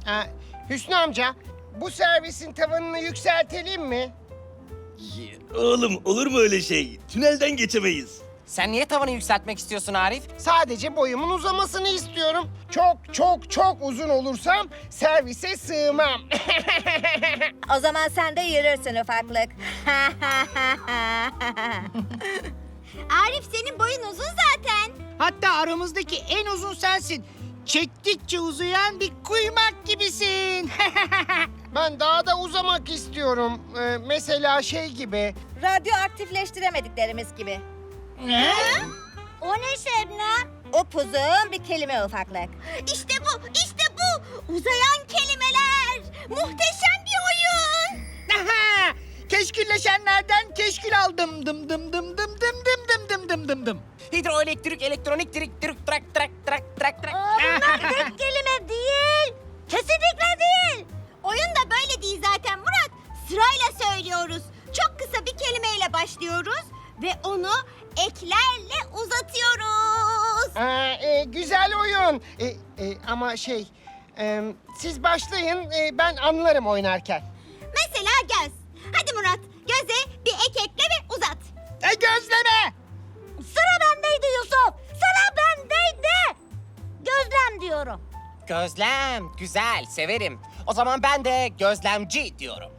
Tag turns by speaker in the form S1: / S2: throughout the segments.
S1: Hüsnü amca, bu servisin tavanını yükseltelim mi?
S2: Oğlum olur mu öyle şey? Tünelden geçemeyiz.
S3: Sen niye tavanı yükseltmek istiyorsun Arif?
S1: Sadece boyumun uzamasını istiyorum. Çok uzun olursam servise sığmam.
S4: O zaman sen de yürürsün ufaklık.
S5: Arif senin boyun uzun zaten.
S6: Hatta aramızdaki en uzun sensin. Çektikçe uzayan bir kuymak gibisin.
S1: Ben daha da uzamak istiyorum. Mesela şey gibi.
S4: Radyoaktifleştiremediklerimiz gibi.
S5: O ne Şebnem?
S4: Upuzun bir kelime ufaklık.
S5: İşte bu, işte bu. Uzayan kelimeler. Muhteşem bir oyun.
S6: Aha! Keşkülleşenlerden keşkül aldım. Dım dım dım dım dım dım dım dım dım dım dım.
S3: Hidroelektrik, elektronik, trik, trak, trak.
S5: Tek kelime değil. Kesinlikle değil. Oyun da böyle değil zaten Murat. Sırayla söylüyoruz. Çok kısa bir kelimeyle başlıyoruz ve onu eklerle uzatıyoruz.
S1: Güzel oyun. Ama siz başlayın, ben anlarım oynarken.
S5: Mesela göz. Hadi Murat, göze bir ek ekle ve uzat.
S6: Gözleme!
S5: Sıra bendeydi Yusuf. Sıra bendeydi. Gözlem diyorum.
S3: Gözlem, güzel, severim. O zaman ben de gözlemci diyorum.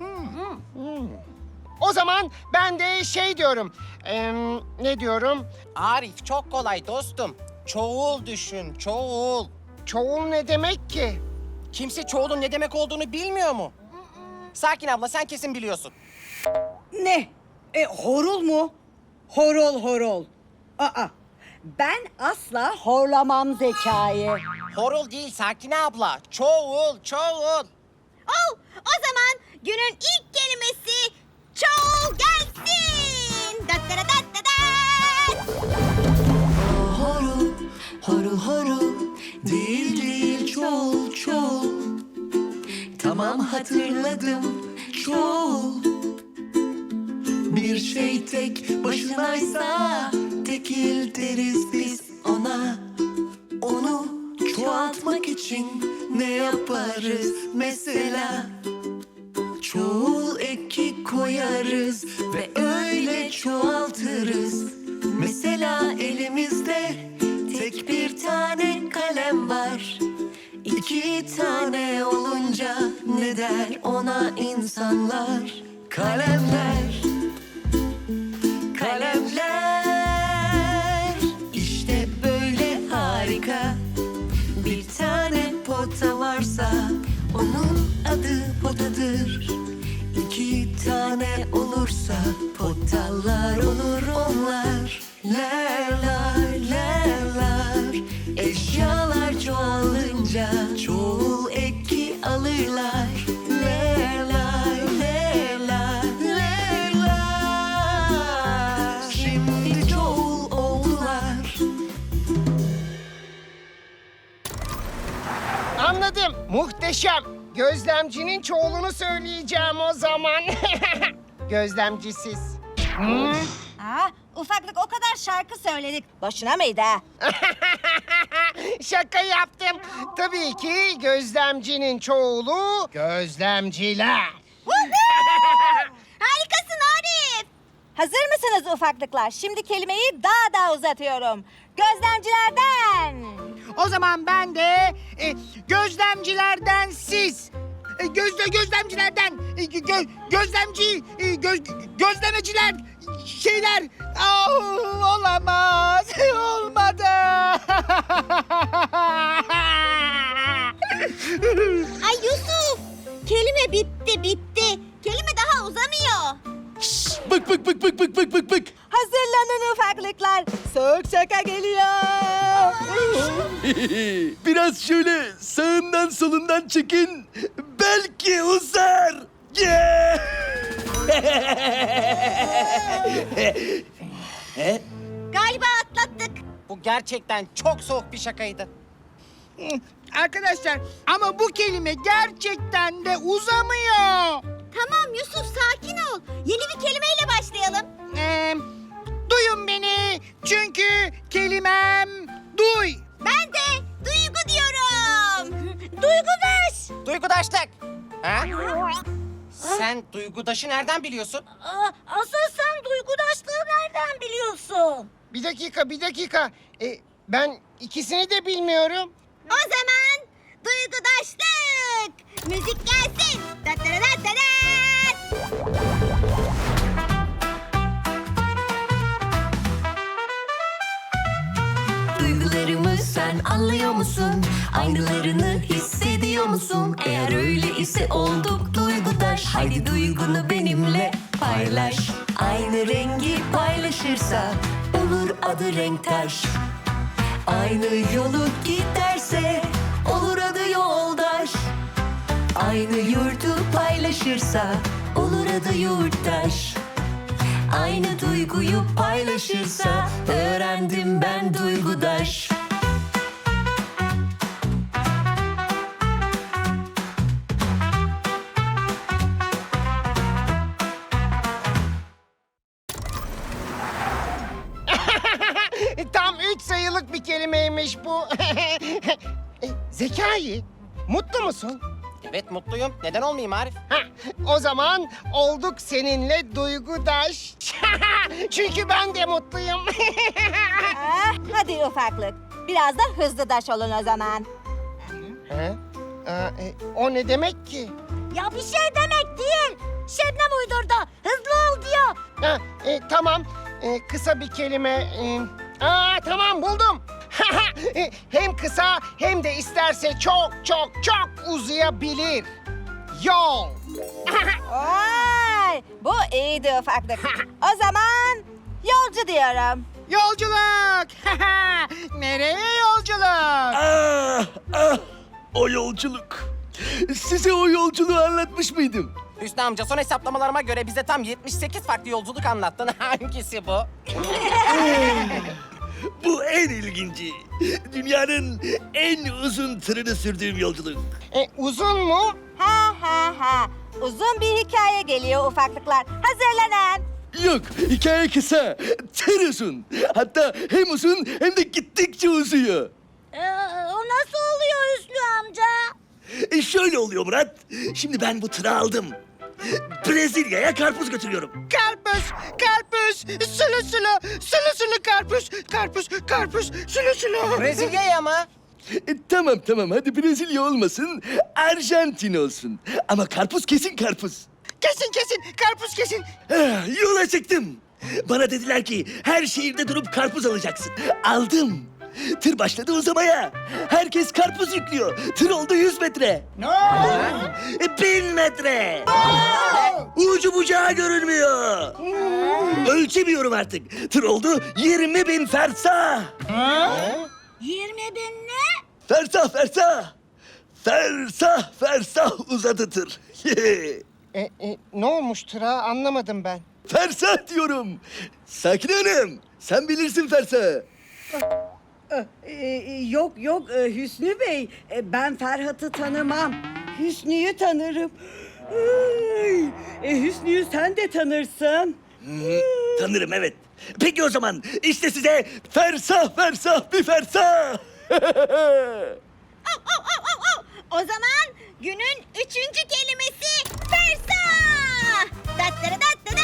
S1: O zaman ben de şey diyorum. Ne diyorum?
S3: Arif çok kolay dostum. Çoğul düşün, çoğul.
S1: Çoğul ne demek ki?
S3: Kimse çoğulun ne demek olduğunu bilmiyor mu? Sakin abla, sen kesin biliyorsun.
S7: Ne? Horul mu? Horol horol. Aa, ben asla horlamam Zekai.
S3: Horul değil Sakine abla. Çoğul, çoğul.
S5: Oh, o zaman günün ilk kelimesi çoğul gelsin. Dat dat dat dat dat.
S8: Horul, horul horul, değil değil çoğul çoğul. Tamam hatırladım çoğul. Bir şey tek başınaysa tekil deriz biz ona. Onu çoğaltmak için ne yaparız mesela? Çoğul eki koyarız ve öyle çoğaltırız. Mesela elimizde tek bir tane kalem var. İki tane olunca ne der ona insanlar? Kalemler, kalemler. İşte böyle harika. Bir tane pota varsa onun adı potadır. İki tane olursa potalar olur onlar. Lerler, lerler. Eşyalar çoğalınca çoğul eki alırlar. Lerler, lerler, lerler. Şimdi çoğul oldular.
S1: Anladım. Muhteşem. Gözlemcinin çoğulunu söyleyeceğim o zaman. Gözlemcisiz.
S4: Ufaklık o kadar şarkı söyledik. Boşuna mıydı ha?
S1: Şaka yaptım. Tabii ki gözlemcinin çoğulu gözlemciler.
S5: Harikasın Arif.
S4: Hazır mısınız ufaklıklar? Şimdi kelimeyi daha da uzatıyorum. Gözlemcilerden.
S6: O zaman ben de gözlemcilerden siz. Gözlemcilerden. Gözlemeciler. Şeyler. Olamaz. Olmadı.
S5: Ay Yusuf. Kelime bitti. Kelime daha uzamıyor.
S2: Bık.
S4: Hazırlanın ufaklıklar. Soğuk şaka geliyor.
S2: Biraz şöyle sağından solundan çekin. Belki uzar. Yeah!
S5: Galiba atlattık.
S3: Bu gerçekten çok soğuk bir şakaydı.
S6: Arkadaşlar ama bu kelime gerçekten de uzamıyor.
S5: Tamam Yusuf sakin ol. Yeni bir kelimeyle başlayalım.
S6: Duyun beni çünkü kelimem duy.
S5: Ben de duygu diyorum. Duygu beş.
S3: Duygudaşlık. Ha? Sen duygudaşı nereden biliyorsun?
S5: Asıl sen duygudaşlığı nereden biliyorsun?
S1: Bir dakika. Ben ikisini de bilmiyorum.
S5: O zaman duygudaşlık. Müzik gelsin. Dattaradattat.
S8: Duygularımı sen anlıyor musun? Aynılarını hissediyor musun? Eğer öyle ise olduk duygudaş. Haydi duygunu benimle paylaş. Aynı rengi paylaşırsa olur adı renktaş. Aynı yolu giderse olur adı yoldaş. Aynı yurdu paylaşırsa olur adı yurttaş. Aynı duyguyu paylaşırsa öğrendim ben duygudaş.
S1: Tam 3 sayılık bir kelimeymiş bu. Zekai, mutlu musun?
S3: Evet mutluyum. Neden olmayayım Arif?
S1: Hah, o zaman olduk seninle duygudaş. Çünkü ben de mutluyum.
S4: Ah, hadi ufaklık. Biraz da hızlı daş olun o zaman.
S1: He? O ne demek ki?
S5: Ya bir şey demek değil. Şebnem uydurdu. Hızlı ol diyor.
S1: Ha, tamam, kısa bir kelime. Tamam buldum. Hem kısa hem de isterse çok uzayabilir. Yol.
S4: Vay, bu iyiydi ufaklık. O zaman yolcu diyorum.
S6: Yolculuk. Nereye yolculuk?
S2: O yolculuk. Size o yolculuğu anlatmış mıydım?
S3: Hüsnü amca son hesaplamalarıma göre bize tam 78 farklı yolculuk anlattın. Hangisi bu?
S2: Bu en ilginci. Dünyanın en uzun tırını sürdüğüm yolculuk.
S1: Uzun mu?
S4: Ha. Uzun bir hikaye geliyor ufaklıklar. Hazırlanın.
S2: Yok, hikaye kısa. Tır uzun. Hatta hem uzun hem de gittikçe uzuyor.
S5: O nasıl oluyor Hüsnü amca?
S2: Şöyle oluyor Murat. Şimdi ben bu tırı aldım. Brezilya'ya karpuz götürüyorum.
S6: Karpuz, sulu karpuz, sulu.
S3: Brezilya'ya mı?
S2: Tamam hadi Brezilya olmasın, Arjantin olsun. Ama karpuz kesin karpuz.
S6: Kesin, karpuz kesin.
S2: Yola çıktım. Bana dediler ki her şehirde durup karpuz alacaksın. Aldım. Tır başladı uzamaya. Herkes karpuz yüklüyor. Tır oldu 100 metre.
S6: Ne?
S2: 1000 metre. Ucu bucağı görünmüyor. Ölçemiyorum artık. Tır oldu 20.000 fersah.
S5: 20 bin ne?
S2: Fersah uzadı tır.
S1: Ne olmuş tıra anlamadım ben.
S2: Fersah diyorum. Sakin Hanım, sen bilirsin fersahı.
S7: Yok Hüsnü Bey. Ben Ferhat'ı tanımam. Hüsnü'yü tanırım. Hüsnü'yü sen de tanırsın.
S2: Tanırım evet. Peki o zaman işte size fersah bir fersah.
S5: O zaman günün 3. kelimesi fersah. Dattaradattat.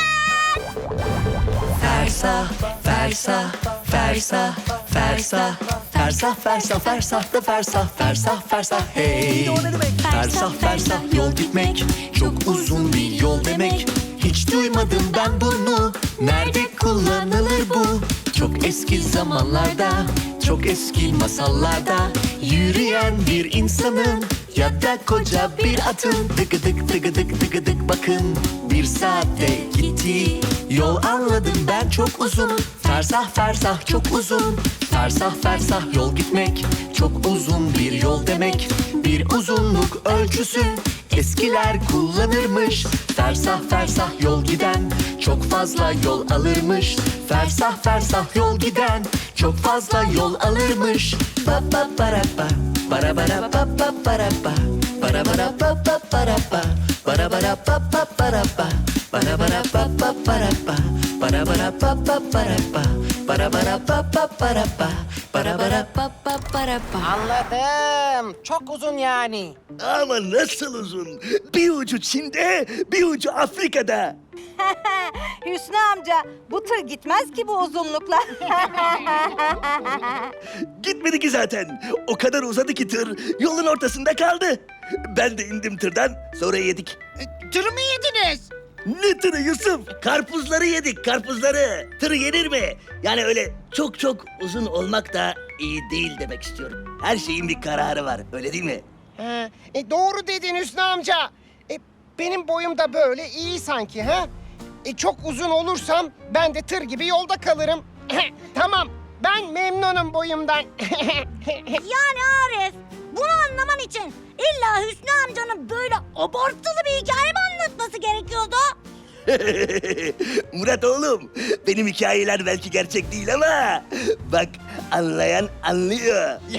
S8: Fersah, fersah, fersah, fersah, fersah, fersah, fersah da fersah, hey. Fersah, yol gitmek, çok uzun bir yol demek. Hiç duymadım ben bunu, nerede kullanılır bu? Çok eski zamanlarda, çok eski masallarda yürüyen bir insanın ya da koca bir atın dıgıdık bakın bir saatte gitti. Yol anladım ben çok uzun. Fersah çok uzun. Fersah yol gitmek, çok uzun bir yol demek. Bir uzunluk ölçüsü eskiler kullanırmış. Fersah yol giden çok fazla yol alırmış. Fersah yol giden çok fazla yol alırmış. Ba ba bara ba bara bara ba ba bara ba bara bara ba ba bara ba bara bara ba ba bara ba bara bara ba ba bara ba bara bara ba ba bara ba bara bara ba ba bara ba bara bara ba ba bara
S9: merhaba.
S3: Anladım. Çok uzun yani.
S2: Ama nasıl uzun? Bir ucu Çin'de, bir ucu Afrika'da.
S4: Hüsnü amca bu tır gitmez ki bu uzunlukla.
S2: Gitmedi ki zaten. O kadar uzadı ki tır yolun ortasında kaldı. Ben de indim tırdan, sonra yedik.
S6: Tırı mı yediniz?
S2: Ne tırı Yusuf? Karpuzları yedik, karpuzları. Tırı yenir mi? Yani öyle çok çok uzun olmak da iyi değil demek istiyorum. Her şeyin bir kararı var, öyle değil mi?
S1: Ha, doğru dedin Hüsnü amca. Benim boyum da böyle iyi sanki ha? Çok uzun olursam ben de tır gibi yolda kalırım. Tamam, ben memnunum boyumdan.
S5: Yani Arif, bunu anlaman için illa Hüsnü amcanın böyle abartılı bir hikaye mi anlatması gerekiyordu?
S2: Murat oğlum, benim hikayeler belki gerçek değil ama bak anlayan anlıyor.
S4: 1,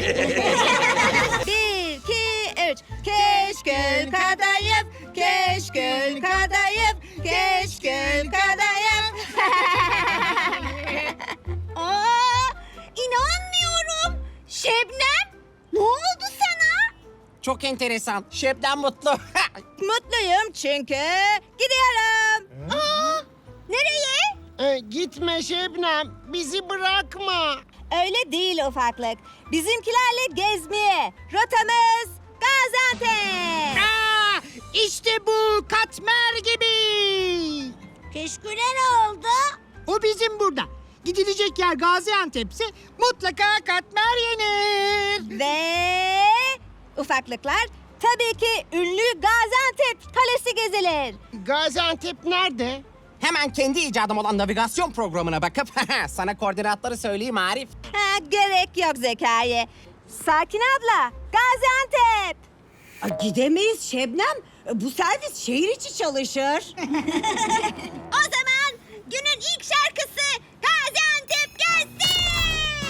S4: 2, 3. Keşkül kadayıf, keşkül kadayıf, keşkül kadayıf.
S5: Aa, inanmıyorum. Şebnem, ne oldu sana?
S3: Çok enteresan. Şebnem mutlu.
S4: Mutluyum çünkü gidiyorum.
S5: Aa, nereye?
S1: Gitme Şebnem, bizi bırakma.
S4: Öyle değil ufaklık. Bizimkilerle gezmeye. Rotamız Gaziantep.
S6: Aa, işte bu katmer gibi.
S5: Keşküle ne oldu?
S6: O bizim burada. Gidilecek yer Gaziantep'se mutlaka katmer yenir.
S4: Ve ufaklıklar tabii ki ünlü Gaziantep Kalesi gezilir.
S1: Gaziantep nerede?
S3: Hemen kendi icadım olan navigasyon programına bakıp sana koordinatları söyleyeyim Arif.
S4: Ha, gerek yok Zekai. Sakin abla, Gaziantep.
S7: Gidemeyiz Şebnem. Bu servis şehir içi çalışır.
S5: O zaman günün ilk şarkısı Gaziantep gelsin.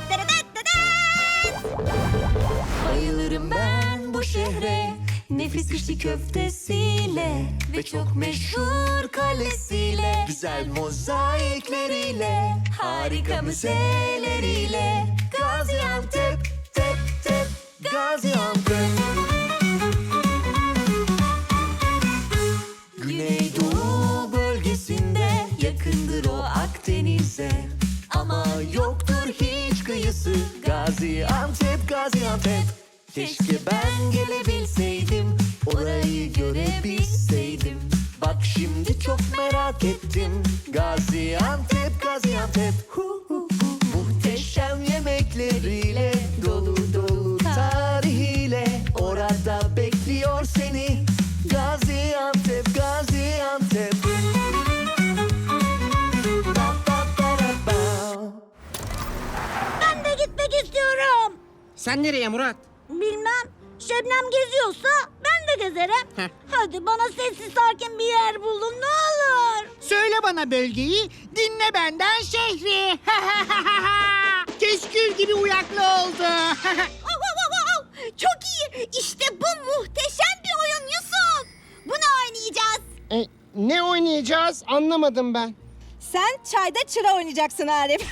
S9: Bayılırım ben bu şehre, nefis içli köftesiyle ve çok meşhur kalesiyle,
S8: Güzel mozaikleriyle, harika müzeleriyle. Gaziantep, tep tep, Gaziantep. Güneydoğu bölgesinde, yakındır o Akdeniz'e. Ama yoktur hiç kıyısı, Gaziantep, Gaziantep. Keşke ben gelebilseydim, orayı görebilseydim. Bak şimdi çok merak ettim, Gaziantep, Gaziantep. Hu hu hu. Muhteşem yemekleriyle, dolu dolu tarihiyle, orada bekliyor seni, Gaziantep, Gaziantep. Ba, ba, ba, da, ba.
S5: Ben de gitmek istiyorum.
S3: Sen nereye Murat?
S5: Bilmem. Şebnem geziyorsa ben de gezerim.
S3: Heh.
S5: Hadi bana sessiz sakin bir yer bulun ne olur.
S6: Söyle bana bölgeyi, dinle benden şehri. Keşkül gibi uyaklı oldu.
S5: Çok iyi. İşte bu muhteşem bir oyun Yusuf. Bunu oynayacağız.
S1: Ne oynayacağız anlamadım ben.
S4: Sen çayda çıra oynayacaksın Arif.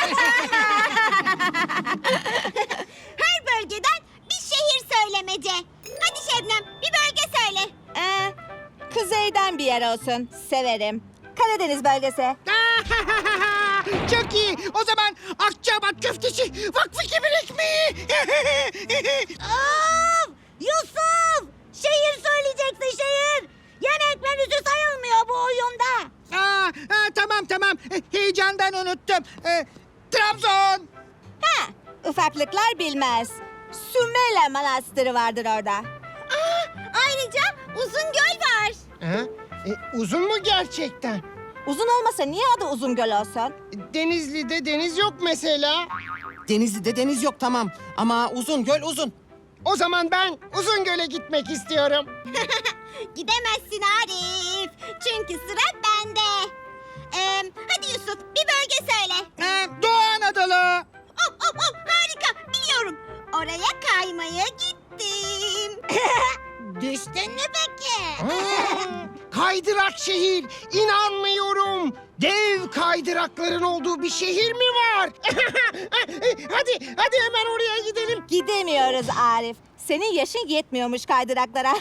S5: Her bölgeden bir şehir söylemece. Hadi Şebnem bir bölge söyle.
S4: Kuzeyden bir yer olsun. Severim. Karadeniz bölgesi.
S6: Çok iyi. O zaman Akçabat köftesi, Vakfı Kebir ekmeği.
S5: Of! Yusuf! Şehir söyleyeceksin şehir. Yemek menüsü sayılmıyor bu oyunda.
S6: Tamam. Heyecandan unuttum. Trabzon.
S4: Ha, ufaklıklar bilmez. Sümele Manastırı vardır orada.
S5: Ayrıca Uzungöl var.
S1: Uzun mu gerçekten?
S4: Uzun olmasa niye adı Uzungöl olsun?
S1: Denizli'de deniz yok mesela.
S3: Denizli'de deniz yok tamam ama uzun göl uzun.
S1: O zaman ben Uzungöl'e gitmek istiyorum.
S5: Gidemezsin Arif. Çünkü sıra bende. Hadi Yusuf bir bölge söyle.
S6: Doğu Anadolu.
S5: Hop harika biliyorum. Oraya kaymaya gittim. Düştün mü peki?
S1: Kaydırak şehir. İnanmıyorum. Dev kaydırakların olduğu bir şehir mi var? hadi hemen oraya gidelim.
S4: Gidemiyoruz Arif. Senin yaşın yetmiyormuş kaydıraklara.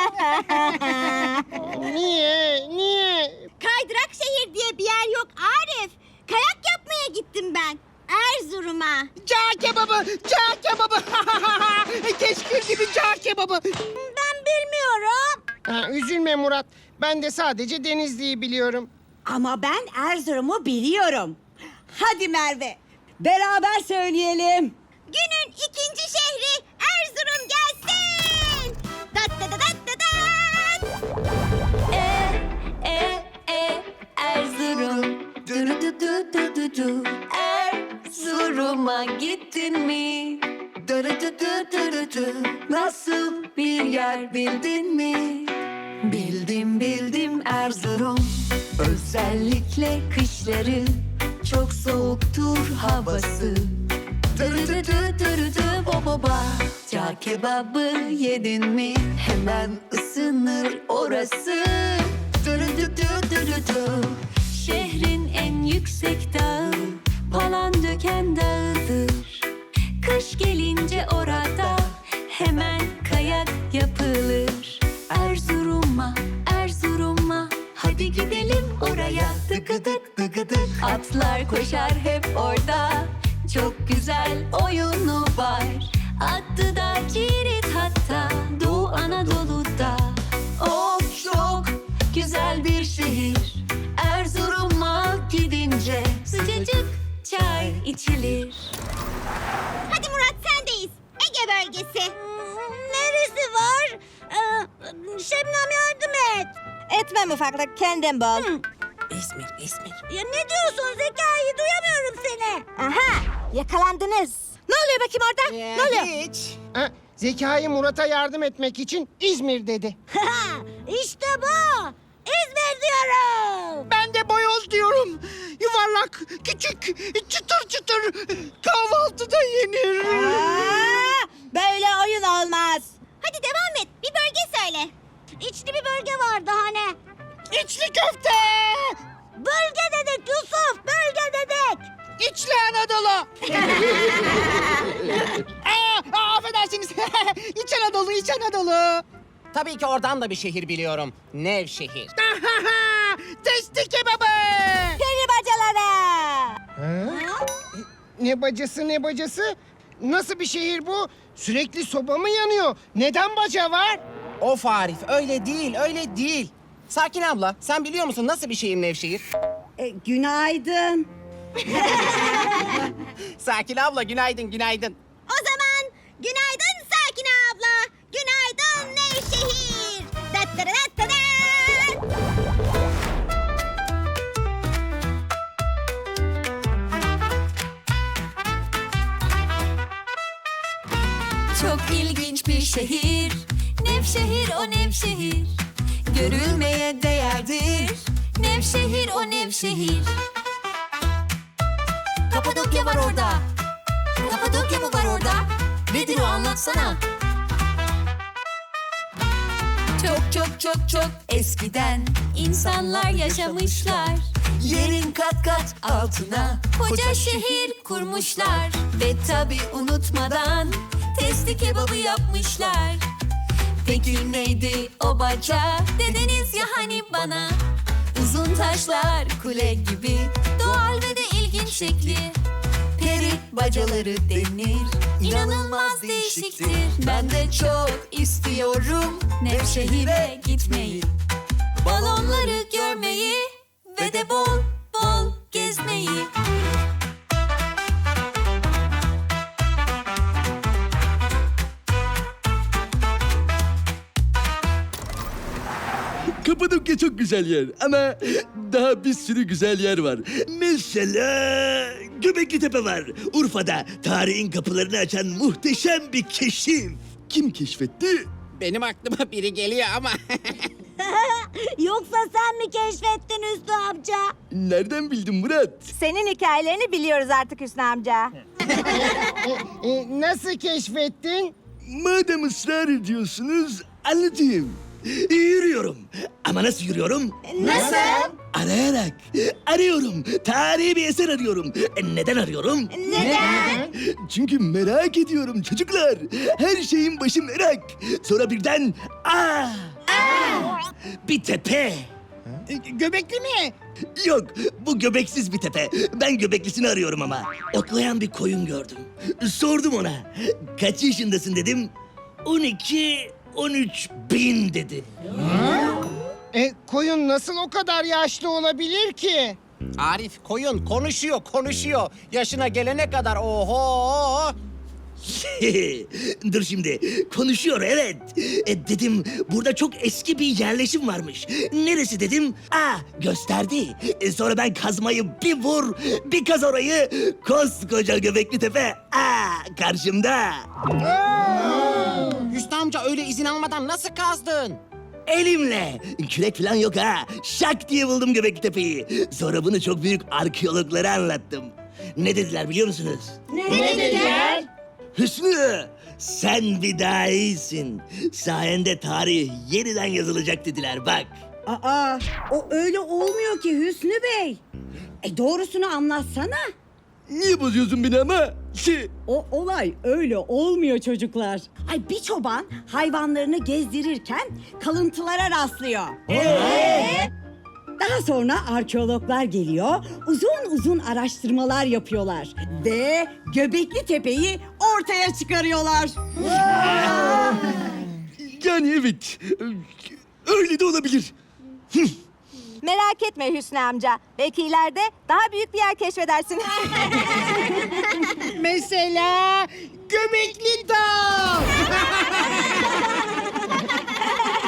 S1: Niye?
S5: Kaydırak şehir diye bir yer yok Arif. Kayak yapmaya gittim ben. Erzurum'a.
S6: Cağ kebabı, cağ kebabı. Keşkül gibi cağ kebabı.
S5: Ben bilmiyorum.
S1: Üzülme Murat. Ben de sadece Denizli'yi biliyorum.
S7: Ama ben Erzurum'u biliyorum. Hadi Merve, beraber söyleyelim.
S5: Günün ikinci şehri Erzurum gelsin. Dat dat dat dat dat.
S9: Erzurum. Du du du du du du. Erzurum'a gittin mi? Du du du du du du du. Nasıl bir yer bildin mi? Bildim Erzurum. Özellikle kışları çok soğuktur havası. Dırıdıdıdıdıdı boboba. Cağ kebabı yedin mi? Hemen ısınır orası. Dırıdıdıdıdıdı. Şehrin en yüksek dağı Palandöken Dağı'dır. Kış gelince orada hemen kayak yapılır. Erzurum'a hadi gidelim oraya. Dıgıdık dıgıdık atlar koşar hep orada. Çok güzel oyunu var. Adı da Cirit hatta Doğu Anadolu'da. Of çok güzel bir şehir. Erzurum'a gidince sıcacık çay içilir.
S5: Hadi Murat sendeyiz. Ege bölgesi. Neresi var? Şebnem yardım et.
S4: Etmem ufaklık, kendin bul.
S3: İzmir.
S5: Ya ne diyorsun Zekai? Duyamıyorum seni.
S4: Aha, yakalandınız. Ne oluyor bakayım orada? Ne oluyor?
S3: Hiç.
S1: Zekai Murat'a yardım etmek için İzmir dedi.
S5: İşte bu. İzmir diyorum.
S6: Ben de boyoz diyorum. Yuvarlak, küçük, çıtır çıtır. Kahvaltıda yenir.
S4: Aa, böyle oyun olmaz.
S5: Hadi devam et. Bir bölge söyle. İçli bir bölge vardı hani.
S6: İçli köfte.
S5: Bölge dedik Yusuf. Bölge dedik.
S6: İçli Anadolu. Affedersiniz. İç Anadolu, İç Anadolu.
S3: Tabii ki oradan da bir şehir biliyorum. Nevşehir.
S6: Testi kebabı.
S4: Peri bacaları.
S1: Ne bacası? Nasıl bir şehir bu? Sürekli soba mı yanıyor? Neden baca var?
S3: Of Arif öyle değil. Sakin abla sen biliyor musun nasıl bir şehir Nevşehir?
S7: Günaydın.
S3: Sakin abla günaydın.
S5: O zaman günaydın Sakine abla. Günaydın Nevşehir. Dat dat dat dat dat.
S9: Çok ilginç bir şehir. Nevşehir o Nevşehir. Görülmeye değerdir. Nevşehir o Nevşehir. Kapadokya var orada. Kapadokya mı var orada? Nedir o anlatsana. Çok eskiden insanlar yaşamışlar. Yerin kat kat altına koca şehir kurmuşlar. Ve tabi unutmadan testi kebabı yapmışlar. Peki neydi o baca? Dediniz ya hani bana. Uzun taşlar kule gibi doğal ve de ilginç şekli. Peri bacaları denir. İnanılmaz değişiktir. Ben de çok istiyorum Nevşehir'e gitmeyi. Balonları görmeyi ve de bol bol gezmeyi.
S2: Kapadokya çok güzel yer ama daha bir sürü güzel yer var. Mesela Göbekli Tepe var. Urfa'da tarihin kapılarını açan muhteşem bir keşif. Kim keşfetti?
S3: Benim aklıma biri geliyor ama.
S5: Yoksa sen mi keşfettin Hüsnü amca?
S2: Nereden bildin Murat?
S4: Senin hikayelerini biliyoruz artık Hüsnü amca.
S1: Nasıl keşfettin?
S2: Madem ısrar ediyorsunuz anlatayım. Yürüyorum. Ama nasıl yürüyorum?
S5: Nasıl?
S2: Arayarak. Arıyorum. Tarihi bir eser arıyorum. Neden arıyorum?
S5: Neden?
S2: Çünkü merak ediyorum çocuklar. Her şeyin başı merak. Sonra birden bir tepe.
S6: Göbekli mi?
S2: Yok, bu göbeksiz bir tepe. Ben göbeklisini arıyorum ama. Otlayan bir koyun gördüm. Sordum ona. Kaç yaşındasın dedim. 13 bin dedi.
S1: Koyun nasıl o kadar yaşlı olabilir ki?
S3: Arif, koyun konuşuyor. Yaşına gelene kadar oho.
S2: Dur şimdi. Konuşuyor evet. Dedim burada çok eski bir yerleşim varmış. Neresi dedim. Gösterdi. Sonra ben kazmayı bir vur, bir kaz orayı. Koskoca Göbekli Tepe. Karşımda.
S3: Hüsnü amca öyle izin almadan nasıl kazdın?
S2: Elimle. Kürek falan yok ha. Şak diye buldum Göbekli Tepe'yi. Sonra bunu çok büyük arkeologlara anlattım. Ne dediler biliyor musunuz?
S5: Ne dediler?
S2: Hüsnü, sen bir daha iyisin. Sayende tarih yeniden yazılacak dediler bak.
S7: Aa, o öyle olmuyor ki Hüsnü Bey. Doğrusunu anlatsana.
S2: Niye bozuyorsun beni ama?
S7: O olay öyle olmuyor çocuklar. Bir çoban hayvanlarını gezdirirken kalıntılara rastlıyor. Daha sonra arkeologlar geliyor, uzun araştırmalar yapıyorlar ve Göbekli Tepe'yi ortaya çıkarıyorlar.
S2: Yani evet, öyle de olabilir.
S4: Merak etme Hüsnü amca. Belki ileride daha büyük bir yer keşfedersin.
S6: Mesela Göbekli Dağ.